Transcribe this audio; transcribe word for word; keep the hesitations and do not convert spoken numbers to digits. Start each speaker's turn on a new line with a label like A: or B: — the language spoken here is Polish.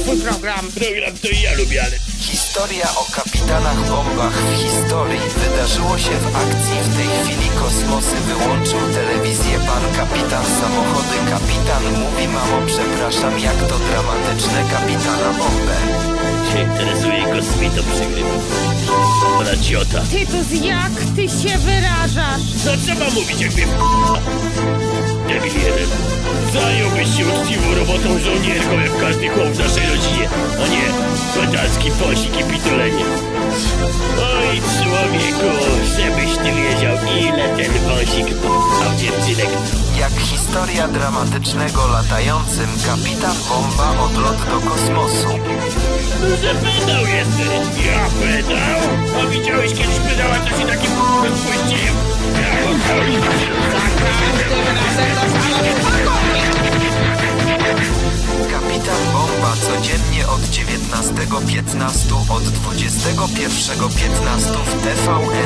A: twój program.
B: Program to i ja lubię, ale...
C: Historia o kapitanach bombach w historii wydarzyło się w akcji. W tej chwili kosmosy wyłączył telewizję pan kapitan samochody. Kapitan mówi: mamo, przepraszam, jak to dramatyczne, kapitana bombę.
B: Się interesuje kosmitą, przegrywam. Ona ciota.
A: Tytus, jak ty się wyrażasz?
B: No trzeba mówić, jak mnie w... Debil jeden. Zająłbyś się uczciwą robotą żołnierką, jak każdy chłop w naszej rodzinie, a nie pedalski fosik i pitolenie. Oj, człowieku, żebyś ty wiedział, ile ten wąsik p***ał dziewczynek.
C: Jak historia dramatycznego latającym kapitan bomba odlot do kosmosu.
B: No, że pedał jesteś. Ja pedał? A widziałeś kiedyś pedała, co się takim p***em spuściłem?
C: Kapitan bomba codziennie od dziewiętnastego piętnaście, od dwudziestego pierwszego piętnaście w T V